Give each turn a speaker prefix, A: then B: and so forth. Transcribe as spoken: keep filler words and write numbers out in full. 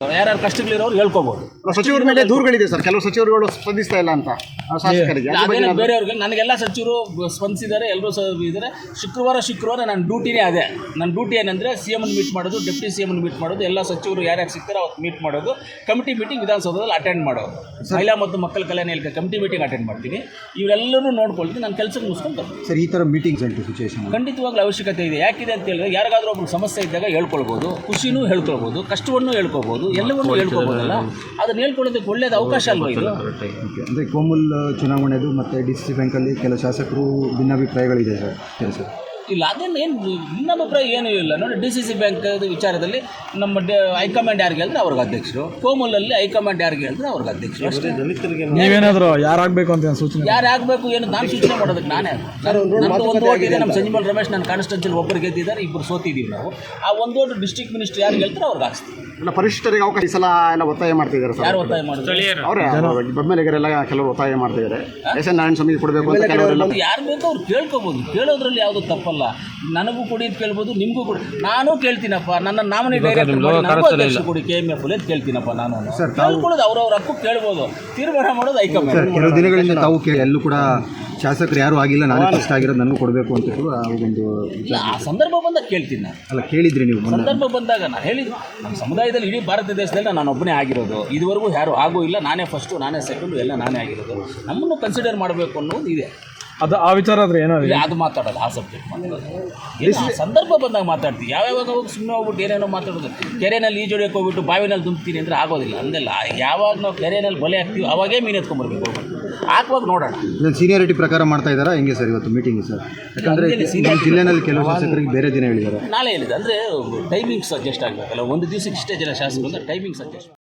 A: ಯಾರ್ಯಾರು ಕಷ್ಟಗಳಿರೋರು ಹೇಳ್ಕೋಬಹುದು.
B: ಸಚಿವರ ಮೇಲೆ ದೂರುಗಳಿದೆ ಸರ್, ಕೆಲವು ಸಚಿವರುಗಳು ಸ್ಪಂದಿಸ್ತಾ ಇಲ್ಲ ಅಂತ ಶಾಸಕರಿಗೆ.
A: ಅದೇನು ಬೇರೆಯವ್ರಿಗೆ, ನನಗೆಲ್ಲ ಸಚಿವರು ಸ್ಪಂದಿಸಿದ್ದಾರೆ, ಎಲ್ಲರೂ ಸಹ ಇದ್ದಾರೆ. ಶುಕ್ರವಾರ ಶುಕ್ರವಾರ ನನ್ನ ಡ್ಯೂಟಿನೇ ಅದೇ. ನನ್ನ ಡ್ಯೂಟಿ ಏನಂದರೆ ಸಿ ಎಮ್ ಮೀಟ್ ಮಾಡೋದು, ಡೆಪ್ಟಿ ಸಿ ಎಮ್ ಮೀಟ್ ಮಾಡೋದು, ಎಲ್ಲ ಸಚಿವರು ಯಾರ್ಯಾರು ಸಿಗ್ತಾರೆ ಅವತ್ತು ಮೀಟ್ ಮಾಡೋದು, ಕಮಿಟಿ ಮೀಟಿಂಗ್ ವಿಧಾನಸೌಧದಲ್ಲಿ ಅಟೆಂಡ್ ಮಾಡೋದು, ಮಹಿಳಾ ಮತ್ತು ಮಕ್ಕಳ ಕಲ್ಯಾಣ ಇಲಾಖೆ ಕಮಿಟಿ ಮೀಟಿಂಗ್ ಅಟೆಂಡ್ ಮಾಡ್ತೀನಿ. ಇವರೆಲ್ಲರೂ ನೋಡ್ಕೊಳ್ತೀನಿ, ನಾನು ಕೆಲಸಕ್ಕೆ ಮುಗಿಸ್ಕೊಂಡು ಬರ್ತೀನಿ.
B: ಸರ್, ಈ ಥರ ಮೀಟಿಂಗ್ಸ್ ಉಂಟು ಸಿಚುವೇಶನ್
A: ಖಂಡಿತವಾಗ್ಲೂ ಅವಶ್ಯಕತೆ ಇದೆ. ಯಾಕಿದೆ ಅಂತ ಹೇಳಿದ್ರೆ, ಯಾರಿಗಾದ್ರೂ ಒಬ್ಬರು ಸಮಸ್ಯೆ ಇದ್ದಾಗ ಹೇಳ್ಕೊಳ್ಬೋದು, ಖುಷಿನೂ ಹೇಳ್ಕೊಳ್ಬೋದು, ಕಷ್ಟವನ್ನು ಹೇಳ್ಕೊಳ್ಬೋದು, ಎಲ್ಲವನ್ನೂ ಹೇಳ್ಕೊಳ್ಬೋದಲ್ಲ. ಅದನ್ನು ಹೇಳ್ಕೊಳ್ಳೋದಕ್ಕೆ ಒಳ್ಳೆಯದು ಅವಕಾಶ ಅಲ್ವಾ ಇದು.
B: ಅಂದರೆ ಕೋಮುಲ್ ಚುನಾವಣೆದು ಮತ್ತು ಡಿ ಸಿ ಸಿ ಬ್ಯಾಂಕಲ್ಲಿ ಕೆಲ ಶಾಸಕರು ಭಿನ್ನಾಭಿಪ್ರಾಯಗಳಿದೆ ಸರ್ ಕೆಲಸ
A: ಇಲ್ಲ. ಅದೇನು ಏನು ಭಿನ್ನಾಭಿಪ್ರಾಯ ಏನೂ ಇಲ್ಲ ನೋಡಿ. ಡಿ ಸಿ ಸಿ ಬ್ಯಾಂಕ್ ವಿಚಾರದಲ್ಲಿ ನಮ್ಮ ಡ ಹೈಕಮಾಂಡ್ ಯಾರಿಗೆ ಹೇಳಿದ್ರೆ ಅವ್ರಿಗೆ ಅಧ್ಯಕ್ಷರು, ಕೋಮಲಲ್ಲಿ ಹೈಕಮಾಂಡ್ ಯಾರಿಗೆ ಹೇಳಿದ್ರೆ ಅವ್ರಿಗೆ ಅಧ್ಯಕ್ಷರು ಅಷ್ಟೇ.
C: ನೀವೇನಾದರೂ ಯಾರಾಗಬೇಕು ಅಂತ ಸೂಚನೆ,
A: ಯಾರು ಆಗಬೇಕು ಏನು ನಾನು ಸೂಚನೆ ಮಾಡೋದಕ್ಕೆ ನಾನೇ. ನಮ್ಮದು ಒಂದು ಓಟ್ ಇದೆ, ನಮ್ಮ ಸಂಜೀವಲ್ ರಮೇಶ್ ನನ್ನ ಕಾನ್ಸ್ಟಿಟ್ಯೂನ್ಸಿಯಲ್ಲಿ ಒಬ್ಬರು ಗೆದ್ದಿದ್ದಾರೆ, ಇಬ್ಬರು ಸೋತಿದ್ದೀವಿ ನಾವು. ಆ ಒಂದು ಓಟು ಡಿಸ್ಟ್ರಿಕ್ಟ್ ಮಿನಿಸ್ಟರ್ ಯಾರು ಹೇಳ್ತಾರೆ ಅವ್ರಿಗೆ ಹಾಕ್ಸ್ತೀವಿ.
B: ಇಲ್ಲ, ಪರಿಶಿಷ್ಟರಿಗೆ ಅವಕಾಶ ಈ ಸಲ ಎಲ್ಲ ಒತ್ತಾಯ ಮಾಡ್ತಿದ್ದಾರೆ ಸರ್.
A: ಯಾರು ಒತ್ತಾಯ ಮಾಡಿದ್ರೆ
B: ಅವರೇ ಬೆಂಬಲಿಗರೆಲ್ಲ ಕೆಲವರು ಒತ್ತಾಯ ಮಾಡ್ತಿದ್ದಾರೆ. ಎಸ್ ಎನ್ ನಾರಾಯಣ ಸ್ವಾಮಿ ಕೊಡಬೇಕು ಅಂತ ಕೆಲವರೆಲ್ಲ.
A: ಯಾರು ಬೇಕೋ ಅವ್ರು ಕೇಳ್ಕೊಬೋದು, ಕೇಳೋದ್ರಲ್ಲಿ ಯಾವುದು ತಪ್ಪಲ್ಲ. ನನಗೂ ಕೊಡಿ ಅಂತ ಕೇಳ್ಬೋದು, ನಿಮಗೂ ಕೊಡಿ. ನಾನು ಕೇಳ್ತೀನಪ್ಪ, ನನ್ನ ನಾಮಿನಿ ಡೈರೆಕ್ಟರ್ ಕೊಡಿ ಕೆ ಎಮ್ ಎಫ್ ಅಂತ ಕೇಳ್ತೀನಪ್ಪ. ನಾನು ಕೇಳ್ಕೊಳ್ಳೋದು ಅವ್ರವ್ರ ಹಕ್ಕು, ಕೇಳ್ಬೋದು. ತೀರ್ಮಾನ ಮಾಡೋದು ಹೈಕಮಾಂಡ್.
B: ಕೆಲವು ದಿನಗಳಿಂದ ತಾವು ಕೇಳಿ ಎಲ್ಲೂ ಕೂಡ ಶಾಸಕರು ಯಾರು ಆಗಿಲ್ಲ, ನಾನು ಕಷ್ಟ ಆಗಿರೋದು ನನಗೂ ಕೊಡಬೇಕು ಅಂತ ಒಂದು
A: ಆ ಸಂದರ್ಭ ಬಂದಾಗ ಕೇಳ್ತೀನಿ ನಾನು.
B: ಅಲ್ಲ, ಕೇಳಿದ್ರಿ ನೀವು
A: ಸಂದರ್ಭ ಬಂದಾಗ ನಾನು ಹೇಳಿದ್ದು. ನಮ್ಮ ಸಮುದಾಯದಲ್ಲಿ ಇಡೀ ಭಾರತ ದೇಶದಲ್ಲಿ ನಾನು ಒಬ್ಬನೇ ಆಗಿರೋದು, ಇದುವರೆಗೂ ಯಾರು ಆಗೂ ಇಲ್ಲ. ನಾನೇ ಫಸ್ಟು, ನಾನೇ ಸೆಕೆಂಡು, ಎಲ್ಲ ನಾನೇ ಆಗಿರೋದು. ನಮ್ಮನ್ನು ಕನ್ಸಿಡರ್ ಮಾಡಬೇಕು ಅನ್ನೋದು ಇದೆ.
C: ಅದು ಆ ವಿಚಾರ ಆದರೆ ಏನೋ
A: ಅದು ಮಾತಾಡೋದು, ಆ ಸಬ್ಜೆಕ್ಟ್ ಮಾತಾಡೋದು ಏನು ಆ ಸಂದರ್ಭ ಬಂದಾಗ ಮಾತಾಡ್ತೀವಿ. ಯಾವ್ಯಾವಾಗ ಹೋಗಿ ಸುಮ್ಮನೆ ಹೋಗ್ಬಿಟ್ಟು ಏನೇನೋ ಮಾತಾಡೋದು. ಕೆರೆಯಲ್ಲಿ ಈಜೊಡೆಯೋಕೆ ಹೋಗ್ಬಿಟ್ಟು ಬಾವಿನಲ್ಲಿ ತುಂಬ್ತೀನಿ ಅಂದರೆ ಆಗೋದಿಲ್ಲ. ಅಂದೆಲ್ಲ ಯಾವಾಗ ನಾವು ಕೆರೆಯಲ್ಲಿ ಬಲೆ ಹಾಕ್ತೀವಿ ಅವಾಗೇ ಮೀನು ಎತ್ಕೊಂಡ್ಬರ್ಬೇಕು. ಹೋಗ್ಬಿಟ್ಟು ಹಾಕುವಾಗ ನೋಡೋಣ.
B: ಸೀನಿಯಾರಿಟಿ ಪ್ರಕಾರ ಮಾಡ್ತಾ ಇದ್ದಾರಾ ಹೆಂಗೆ ಸರ್ ಇವತ್ತು ಮೀಟಿಂಗ್ ಸರ್? ಯಾಕಂದರೆ ಜಿಲ್ಲೆನಲ್ಲಿ ಕೆಲವು ಶಾಸಕರಿಗೆ ಬೇರೆ ದಿನ ಹೇಳಿದ್ದಾರೆ.
A: ನಾಳೆ ಹೇಳಿದೆ ಅಂದರೆ ಟೈಮಿಂಗ್ಸ್ ಅಡ್ಜಸ್ಟ್ ಆಗಬೇಕಲ್ಲ. ಒಂದು ದಿವಸಕ್ಕೆ ಇಷ್ಟೇ ಜನ ಶಾಸಕರು ಅಂದರೆ ಟೈಮಿಂಗ್ಸ್ ಅಡ್ಜಸ್ಟ್